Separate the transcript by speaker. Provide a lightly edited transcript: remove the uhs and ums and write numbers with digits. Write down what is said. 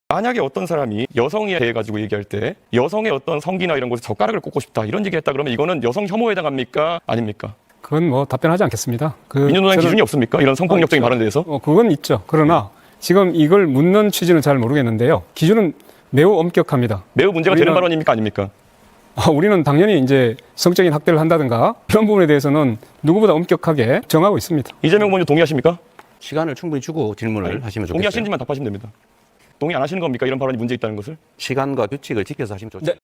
Speaker 1: 만약에 어떤 사람이 여성에 대해 가지고 얘기할 때 여성의 어떤 성기나 이런 곳에 젓가락을 꽂고 싶다 이런 얘기했다 그러면 이거는 여성 혐오에 해당합니까? 아닙니까?
Speaker 2: 그건 뭐 답변하지 않겠습니다.
Speaker 1: 민주노당 기준이 없습니까? 이런 성폭력적인 발언에 대해서?
Speaker 2: 그건 있죠. 그러나 지금 이걸 묻는 취지는 잘 모르겠는데요. 기준은 매우 엄격합니다.
Speaker 1: 매우 문제가 되는 발언입니까? 아닙니까?
Speaker 2: 우리는 당연히 이제 성적인 학대를 한다든가 이런 부분에 대해서는 누구보다 엄격하게 정하고 있습니다.
Speaker 1: 이재명 의원님 동의하십니까?
Speaker 3: 시간을 충분히 주고 질문을 하시면 좋겠어요.
Speaker 1: 동의하시는지만 답하시면 됩니다. 동의 안 하시는 겁니까? 이런 발언이 문제 있다는 것을?
Speaker 3: 시간과 규칙을 지켜서 하시면 좋죠.
Speaker 2: 네.